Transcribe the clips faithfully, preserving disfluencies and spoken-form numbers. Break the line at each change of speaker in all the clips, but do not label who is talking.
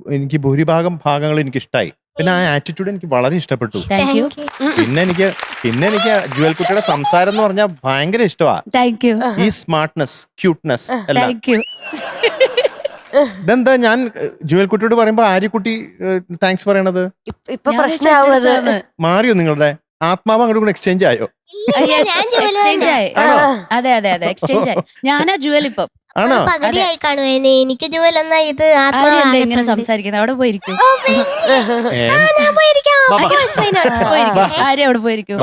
എനിക്ക് ഭൂരിഭാഗം ഭാഗങ്ങൾ എനിക്ക് ഇഷ്ടമായി. പിന്നെ ആ ആറ്റിറ്റ്യൂഡ് എനിക്ക് വളരെ ഇഷ്ടപ്പെട്ടു. പിന്നെ എനിക്ക് പിന്നെ എനിക്ക് ജുവൽ കുട്ടിയുടെ സംസാരം എന്ന് പറഞ്ഞാൽ ഭയങ്കര ഇഷ്ടമാണ്. ഈ സ്മാർട്ട്നെസ്, ക്യൂട്ട്നെസ് എല്ലാം. ഇതെന്താ ഞാൻ ജുവൽ കുട്ടിയോട് പറയുമ്പോ ആര്യക്കുട്ടി താങ്ക്സ് പറയണത്? മാറിയോ നിങ്ങളുടെ ആത്മാവ് അങ്ങോട്ട് കൂടെ എക്സ്ചേഞ്ച് ആയോ?
അതെ അതെ അതെ എക്സ്ചേഞ്ച് ആയി. ഞാനാ ജുവൽ ഇപ്പം.
ആണോ?
എനിക്ക് ജുവൽ എന്നാ ഇത്
ഇങ്ങനെ സംസാരിക്കുന്നത്. അവിടെ പോയിരിക്കും. ആര്യ അവിടെ പോയിരിക്കും.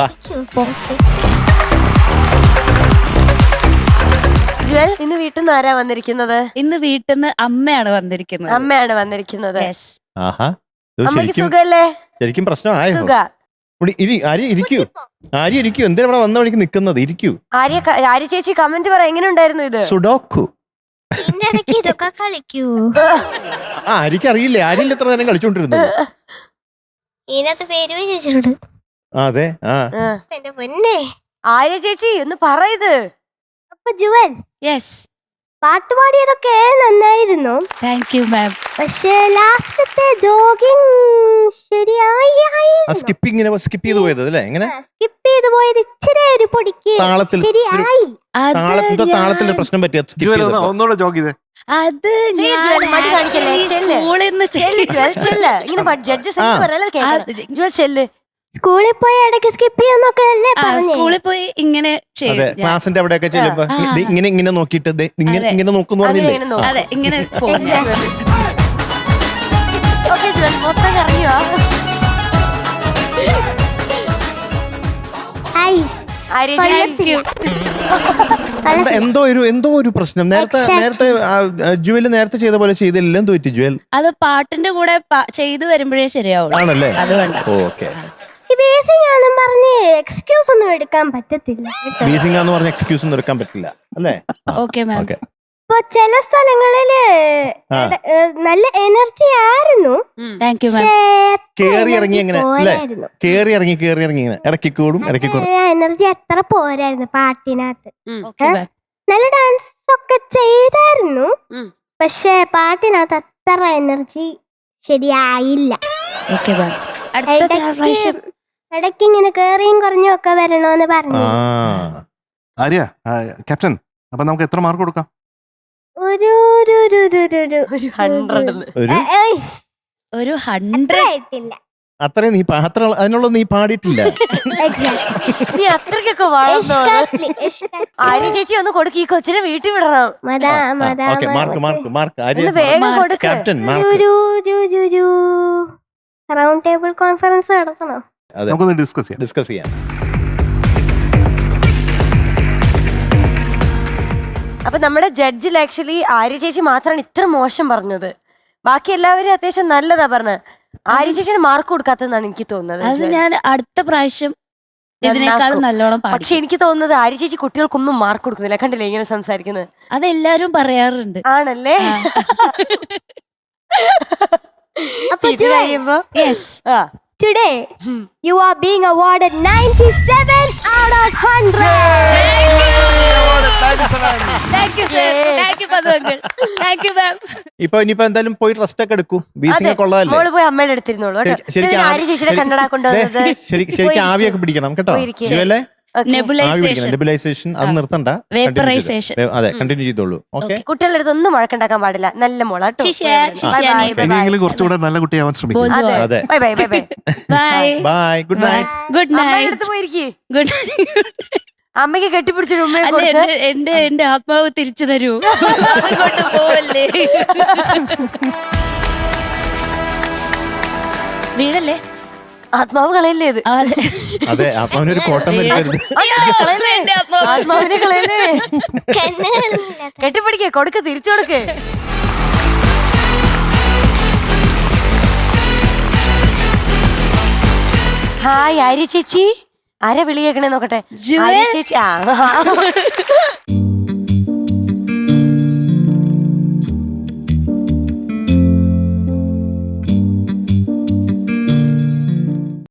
ജുവൽ, ഇന്ന് വീട്ടിൽ നിന്ന് ആരാ വന്നിരിക്കുന്നത്?
ഇന്ന് വീട്ടിൽ നിന്ന് അമ്മയാണ് വന്നിരിക്കുന്നത്.
അമ്മയാണ് വന്നിരിക്കുന്നത്.
അമ്മയ്ക്ക്
സുഖല്ലേ?
ശരിക്കും പ്രശ്നമായോ?
സുഖ.
ആര്യ ഇരിക്കൂ, ആര്യ ഇരിക്കൂ. എന്തിനാ ഇവിടെ വന്ന വഴിക്ക് നിക്കുന്നത്? ഇരിക്കൂ.
ആര്യ ആര്യ ചേച്ചി കമന്റ് പറ, എങ്ങനെ ഉണ്ടായിരുന്നു ഇത്?
സുഡോക്കു.
ഇതൊക്കെ കളിക്കൂ.
ആ ആര്യക്ക് അറിയില്ലേ? ആര്യല്ല എത്ര നേരം കളിച്ചോണ്ടിരുന്നത്.
ഇതിനകത്ത് പേര് ചേച്ചിയോട്.
അതെ. ആ
എന്റെ പൊന്നെ
ആര്യ ചേച്ചി ഒന്ന് പറ ഇത്.
അപ്പൊ ജുവൽ,
യെസ്,
പാട്ടുപാടിയതൊക്കെ നന്നായിരുന്നു.
Thank you ma'am.
പക്ഷേ ലാസ്റ്റത്തെ ജോഗിങ് ശരിയായി.
സ്കിപ്പിംഗ് സ്കിപ്പ് ചെയ്ത് പോയത് അല്ലേ? എങ്ങനെ
സ്കിപ്പ് ചെയ്ത് പോയത് ഇച്ചിരി ഒരു പൊടിക്ക്
താളത്തിൽ
ശരിയായി.
താളത്തിന്റെ പ്രശ്നം പറ്റിയ ഒന്നുകൂടെ ജോഗ് ചെയ്തേ.
അത്
സ്കൂളിൽ പോയി ഇടയ്ക്ക് സ്കിപ്പ് ചെയ്യുന്നൊക്കെ അല്ലേ?
സ്കൂളിൽ പോയി ഇങ്ങനെ
അതെ, ക്ലാസിന്റെ അവിടെയൊക്കെ ചെല്ലുമ്പോ ഇങ്ങനെ ഇങ്ങനെ നോക്കിയിട്ട് ഇങ്ങനെ ഇങ്ങനെ നോക്കുന്നു പറഞ്ഞില്ലേ?
അതെ, ഇങ്ങനെ
എന്തോ ഒരു എന്തോ ഒരു പ്രശ്നം. നേരത്തെ നേരത്തെ ജുവൽ നേരത്തെ ചെയ്ത പോലെ ചെയ്തില്ല. എന്തോ പറ്റി ജുവൽ?
അത് പാട്ടിന്റെ കൂടെ ചെയ്തു വരുമ്പോഴേ ശരിയാവുള്ളൂ.
ആണല്ലേ?
അതുകൊണ്ട്
ഓക്കെ.
എക്സ്ക്യൂസ് ഒന്നും എടുക്കാൻ പറ്റത്തില്ല.
ബേസിംഗ് ആന്ന് പറഞ്ഞ എക്സ്ക്യൂസ് ഒന്നും എടുക്കാൻ പറ്റില്ല അല്ലേ?
Okay ma'am.
ഇപ്പൊ ചില സ്ഥലങ്ങളില് നല്ല എനർജി ആയിരുന്നു.
Thank you ma'am.
കേറി ഇറങ്ങി എങ്ങനെ അല്ലേ? കേറി ഇറങ്ങി കേറി ഇറങ്ങി ഇങ്ങനെ ഇടയ്ക്ക് കൂടും ഇടയ്ക്ക് കൂടും.
എനർജി അത്ര പോരായിരുന്നു പാട്ടിനകത്ത്. നല്ല ഡാൻസ് ഒക്കെ ചെയ്തായിരുന്നു, പക്ഷെ പാട്ടിനകത്ത് അത്ര എനർജി ശരിയായില്ല. ഇടയ്ക്ക് ഇങ്ങനെ കേറിയും കുറഞ്ഞും ഒക്കെ വരണോന്ന് പറഞ്ഞു.
ആര്യ, ക്യാപ്റ്റൻ, അപ്പൊ നമുക്ക് എത്ര മാർക്ക് കൊടുക്കാം?
ഒരു
ഒരു ഹൺഡ്രഡ്
ആയിട്ടില്ല.
അത്രയും നീ അത്ര അതിനുള്ള നീ പാടിയിട്ടില്ല.
നീ അത്രക്കൊക്കെ ആര്യ ചേച്ചി ഒന്ന് കൊടുക്ക്, ഈ കൊച്ചിനെ വീട്ടിൽ വിടണം.
മാർക്ക് മാർക്ക് മാർക്ക്
വേഗം കൊടുക്ക്.
ക്യാപ്റ്റൻ
റൗണ്ട് ടേബിൾ കോൺഫറൻസ് നടത്തണോ?
നമുക്കൊന്ന് ഡിസ്കസ് ചെയ്യാം
ഡിസ്കസ് ചെയ്യാം
അപ്പൊ നമ്മുടെ ജഡ്ജിൽ ആക്ച്വലി ആര്യ ചേച്ചി മാത്രമാണ് ഇത്ര മോശം പറഞ്ഞത്. ബാക്കി എല്ലാവരും അത്യാവശ്യം നല്ലതാ പറഞ്ഞത്. ആര്യ ചേച്ചിന് മാർക്ക് കൊടുക്കാത്തതെന്നാണ് എനിക്ക് തോന്നുന്നത്.
അത് ഞാൻ അടുത്ത പ്രാവശ്യം ഇതിനേക്കാളും നല്ലോണം പാടി.
പക്ഷെ എനിക്ക് തോന്നുന്നത് ആര്യ ചേച്ചി കുട്ടികൾക്കൊന്നും മാർക്ക് കൊടുക്കുന്നില്ല. കണ്ടില്ലേ ഇങ്ങനെ സംസാരിക്കുന്നത്?
അതെല്ലാരും പറയാറുണ്ട്.
ആണല്ലേ?
Today you are being awarded ninety-seven out of one hundred.
Thank you sir. Thank you Padungal. Thank you ma'am.
ഇപ്പൊ ഇനിയിപ്പോ എന്തായാലും പോയി റെസ്റ്റ് ഒക്കെ എടുക്കൂ. ബീസിംഗ് കൊള്ളാല്ലേ?
മോള് പോയി അമ്മയുടെ അടുത്തിരുന്നോളൂ. ആര്യ ചേച്ചിയുടെ കണ്ണട കൊണ്ടുവന്നത്
ശരിക്കും ആവിയൊക്കെ പിടിക്കണം കേട്ടോ. ജുവലേ
നെബുലൈസേഷൻ
അത് നിർത്തണ്ട. അതെ, കണ്ടിന്യൂ ചെയ്തോളൂ. ഓക്കെ.
കുട്ടികളുടെ അടുത്ത് ഒന്നും വഴക്കുണ്ടാക്കാൻ പാടില്ല. നല്ല മോളാട്ടോ.
ഇനിയെങ്കിലും കുറച്ചുകൂടെ നല്ല കുട്ടിയാവാൻ ശ്രമിക്കും.
അതെ.
Bye bye bye bye
bye. Good night.
Good night.
അടുത്ത് പോയിരിക്കേ.
ഗുഡ്.
അമ്മയ്ക്ക് കെട്ടിപ്പിടിച്ചിട്ട് ഉമ്മയെ
എന്റെ എന്റെ ആത്മാവ് തിരിച്ചു തരൂ. അതുകൊണ്ട് പോവല്ലേ. വീടല്ലേ?
ആത്മാവ് കളയല്ലേ ഇത്?
അതെ, ആത്മാവിനൊരു കോട്ടം വരുന്നത്.
ആത്മാവിനെ കളയല്ലേ? കെട്ടിപ്പിടിക്കേ, കൊടുക്ക്, തിരിച്ചു കൊടുക്കേ. ഹായ് ആര്യ ചേച്ചി. ആരാ വിളിയേക്കണേ നോക്കട്ടെ. ആര്യ ചേച്ചി. ആ